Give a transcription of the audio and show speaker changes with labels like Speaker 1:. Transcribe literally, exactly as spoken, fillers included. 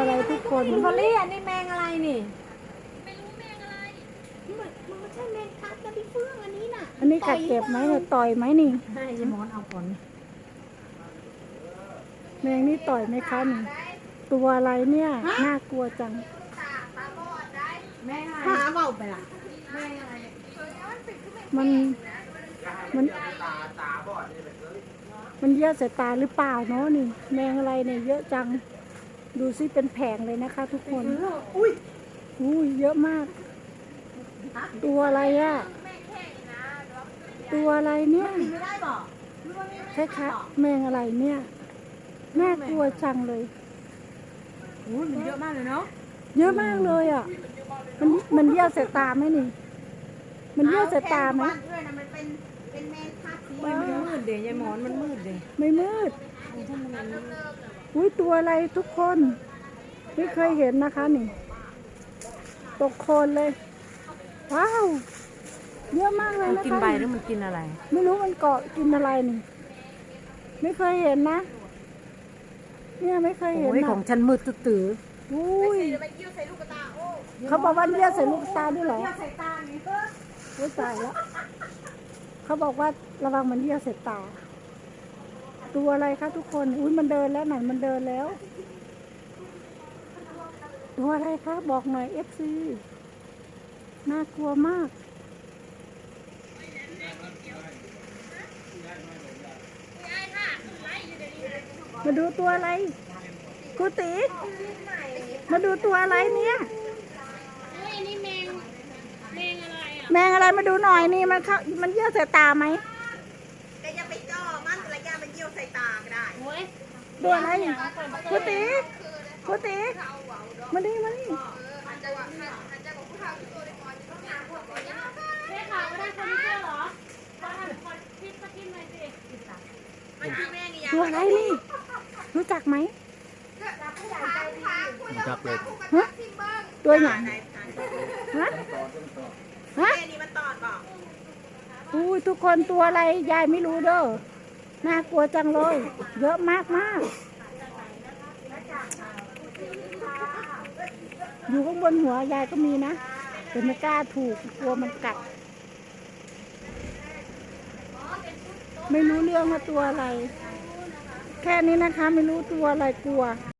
Speaker 1: อะไรทุกคน
Speaker 2: พอลลี่อันนี้แมงอะไรนี่
Speaker 3: มันมันไม่ใช่แมงทับนะพี่เฟื่องอันนี้น่ะ
Speaker 1: อันนี้กัดเจ็บไหมเนี่ยต่อยไหมนี่
Speaker 2: ให้ยายมอนเอาก่อน
Speaker 1: แมงนี่ต่อยไหมคะนี่ตัวอะไรเนี่ยน่ากลัวจัง
Speaker 2: แมงอะไร
Speaker 3: หาเบาไปละ
Speaker 2: แมงอะไร
Speaker 1: มันมันมันเยอะสายตาหรือเปล่าเนาะนี่ แมงอะไรเนี่ยเยอะจัง ดูซิเป็นแผงเลยนะคะ ทุกคน
Speaker 3: อุ้ย
Speaker 1: อุ้ยเยอะมาก ตัวอะไรอะตัวอะไรเนี่ย
Speaker 3: ไม่ได้บอกหรือว่าไม่
Speaker 1: ใช่คะแมงอะไรเนี่ยน่ากลัวจังเลย
Speaker 2: โอ้ยมันเยอะมากเลยเนาะ
Speaker 1: เยอะมากเลยอ่ะ มันมันเยี่ยวใส่ตาไหมนี่ มันเยี่ยวใส่ตาไหม
Speaker 3: วัดด้วยนะมันเป็นเป็นแมงทับสี
Speaker 2: มันมืดเดี๋ยวยายมอนมันมืดเดี๋ย
Speaker 1: ไม่มืด อุ้ยตัวอะไรทุกคน ไม่เคยเห็นนะคะนี่ ตกโคลนเลย ว้าว เยอะมากเลย
Speaker 2: มัน
Speaker 1: นะคะ
Speaker 2: กินใบหรือมันกินอะไร
Speaker 1: ไม่รู้มันเกาะกินอะไรนี่ ไม่เคยเห็นนะ เนี่ยไม่เคยเห็น
Speaker 2: โอ้ย
Speaker 1: นะ
Speaker 2: ของฉันมืดตื้อ
Speaker 1: อุ้ย
Speaker 3: มันยิ้วใส่ลูกตาโอ้
Speaker 1: เขาบอกว่าเยี่ยวใส่ลูกตาด้วยเหรอ
Speaker 3: ยิ้วใส่ตานี่เออ
Speaker 1: โอ้ยตายแล้ว เขาบอกว่าระวังมันเยี่ยวใส่ตา ตัวอะไรคะทุกคน อุ้ยมันเดินแล้วไหนมันเดินแล้ว ตัวอะไรคะบอกหน่อยเอฟซีน่ากลัวมาก มาดูตัวอะไรครูตีมาดูตัวอะไรเนี่ยแมงอะไรมาดูหน่อยนี่มันเข้ามันเยี่ยวใส่ตาไหม
Speaker 3: แต่อย่าไปจ่อมันระยะมันยิ้วใส่ตาก็ได้
Speaker 1: ตัวอะไรครูตีครูตีมาดิมาดิ
Speaker 3: มันคือแม่นี่
Speaker 1: ตัวอะไรนี่ รู้จักไหม
Speaker 4: จับเลย
Speaker 1: ฮะตัวหยังฮะฮะ
Speaker 3: แม่นี่มันตอดบอก
Speaker 1: อุ้ยทุกคนตัวอะไรยายไม่รู้เด้อน่ากลัวจังเลย เยอะมากมากอยู่ข้างบนหัวยายก็มีนะแต่ไม่กล้าถูกกลัวมันกัด ไม่รู้เรื่องว่าตัวอะไร แค่นี้นะคะ ไม่รู้ตัวอะไรกลัว